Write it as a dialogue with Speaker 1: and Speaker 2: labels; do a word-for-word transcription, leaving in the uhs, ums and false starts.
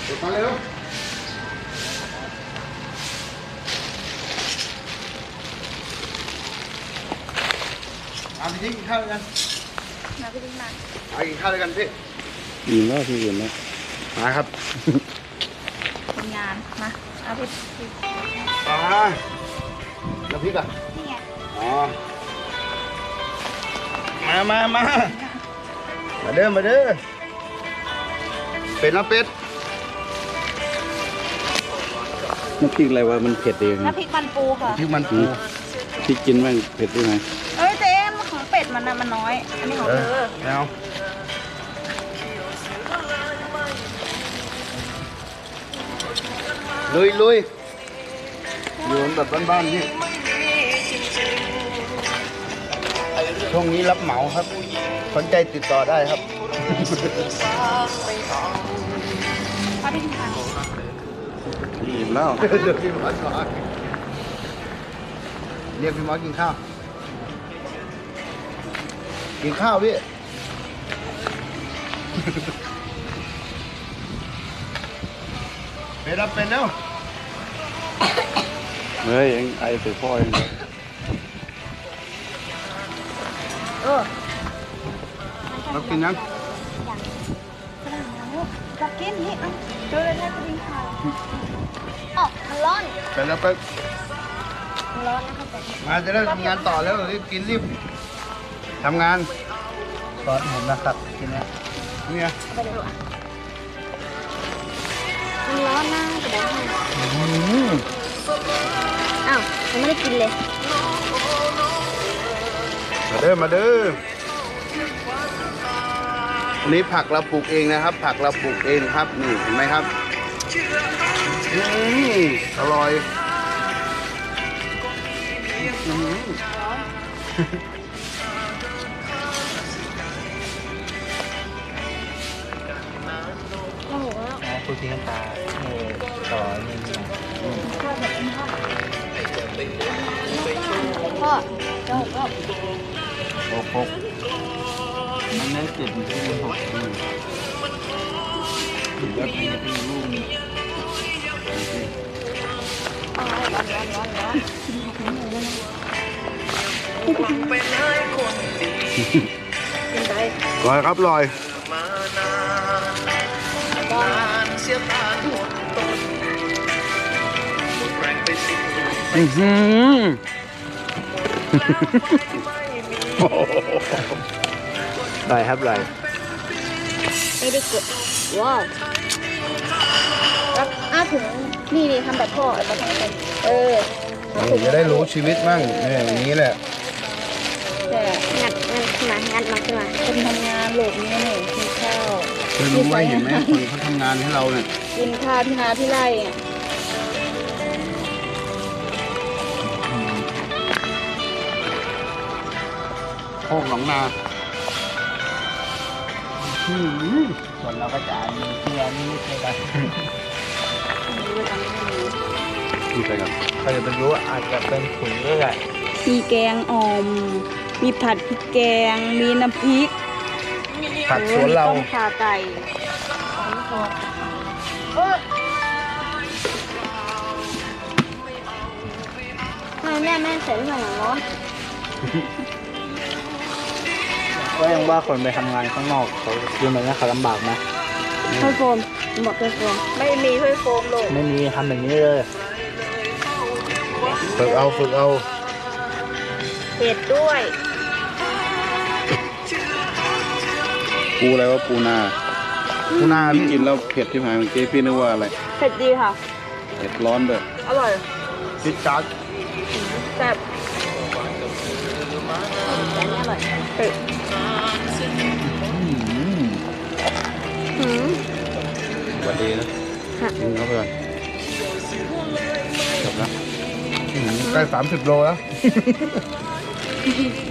Speaker 1: เดี๋ยวมาเร็วเอาไปทิ้งกินข้าวด้วยกัน
Speaker 2: มาพี่ดิ้งมา
Speaker 1: เอากินข้าวด้วยกันพี่
Speaker 3: อิ่มแล้วพี่อิ่มแล้ว
Speaker 1: มาครับ
Speaker 2: ทำงานมาเอาพี่พี่
Speaker 1: อ่าแล้วพริกอ่ะ
Speaker 2: นี่ไง
Speaker 1: อ๋อมามามามาเด้อมาเด้อเป็ดนะเป็ด
Speaker 3: น้ำพริกอะไรวะมันเผ็ดเอง
Speaker 2: น้ำพริกมันปูค่ะ
Speaker 1: พริกมันปู
Speaker 3: พี่กินบ้างเผ็ดได้ไหม
Speaker 2: เอ้ยเจ๊ของเป็ดมันนะมันน้อย อันนี้ของ
Speaker 1: เอ
Speaker 2: เธ
Speaker 1: อ
Speaker 2: อ
Speaker 1: แล้วลุยลุยอยู่แบบบ้านๆนี่ช่วงนี้รับเหมาครับสนใจติดต่อได้ครับ
Speaker 2: เอาพี่ดิ้งมา
Speaker 3: อิ่มแล้ว
Speaker 1: เดี๋ยวพี่มอสก่อนเรียกพี่มอสกินข้าว กินข้าวพี่ เป็นรับเป็นแล้ว
Speaker 3: เฮ้ยเอ็งไอใส่พ่อเอง
Speaker 2: เออ
Speaker 1: รับกินยัง
Speaker 2: ฝรั่งแล้วรับกินนี่เอาเจอเลยให้พี่ดิ้งค่ะอ๋อมันร้อน
Speaker 1: เป็นแล้วไป
Speaker 2: มันร้อนนะคะแต่
Speaker 1: มาจะได้ทำงานต่อแล้วรีบกินรีบทำงานสอนผมนะครับกินนะเนี่ย
Speaker 2: ไปดูอ่ะมันร้อนนะแต่ได้ให้
Speaker 1: อืม
Speaker 2: อ้าวยังไม่ได้กินเลย
Speaker 1: มาเด้อมาเด้ออันนี้ผักเราปลูกเองนะครับ ผักเราปลูกเองครับนี่เห็นไหมครับอืมอร่อยอืม
Speaker 2: โอ้โห
Speaker 4: อ๋อคุณพี่น้ำตาเออต่อนี่นี่นะ
Speaker 2: พ่อเจ้าก็
Speaker 3: โอ้โหมันได้เจ็ดที่หกอืมแล้วพี่จะพี่ลูกนี่
Speaker 2: ร้อนร้อนร้อนร้อนร้อน กินไป
Speaker 1: อร่อยครับอร่อย
Speaker 3: อื้อหือ
Speaker 4: ลอยครับลอย
Speaker 2: ไม่ได้กดว้าวแล้วอ้าถึงนี่นี่ทำแบบพ่อแบบเออ
Speaker 1: จะได้รู้ชีวิตมั่งเนี่ยอย่างนี้แหละ
Speaker 2: แต่งัดงัดขึ้นมางัดมาขึ้นมาคนทำงานโหลดนี่นี่กินข้าว
Speaker 1: เคยรู้ไหมเห็นไหมคนเขาทำงานให้เราเนี่ย
Speaker 2: กินข้าวที่นาที่ไร่อ่ะ
Speaker 1: โคกหนองนาอืม
Speaker 4: ส่วนเราก็จะมีเชื่อนี่ใช่ไหม
Speaker 2: ไม่รู้ว่าทำไม่รู้
Speaker 3: นี่ไปกัน
Speaker 4: ใครจะไปรู้ว่าอาจจะเป็นขุนเลือด
Speaker 2: มีแกงอ่อม มีผัดพริกแกง มีน้ำพริก
Speaker 1: ผักสวนเรา
Speaker 2: โอ้มีต้มข่าไก่เออทำไมแม่แม่ใส่ที่ไหนร้อน
Speaker 4: ก็ยังว่าคนไปทำงานข้างนอกเขาดูเหมือนว่าเขาลำบากนะ
Speaker 2: ถ้วยโฟมบอกถ้วยโฟมไม่มีถ้วยโฟมเลย
Speaker 4: ไม่มีทำแบบนี้เลย
Speaker 1: ฝึกเอาฝึกเอา
Speaker 2: เผ็ดด้วย
Speaker 3: ปูอะไรวะปูนา
Speaker 1: ปูนา
Speaker 3: พี่
Speaker 1: พี่
Speaker 3: กินแล้วเผ็ดที่หายเมื่อกี้พี่นึกว่าอะไร
Speaker 2: เผ็ดดีค่ะ
Speaker 3: เผ็ดร้อนด้วย
Speaker 2: อร่อย
Speaker 1: พิซซ่า
Speaker 2: แซ่บแต่นี่อร่อยเผ็ด
Speaker 3: อืม
Speaker 2: หืม
Speaker 3: สวัสดีนะ
Speaker 2: ค่ะ
Speaker 3: กินเข้าไปก่อนจบแล้ว
Speaker 1: ใกล้สามสิบโลแล้ว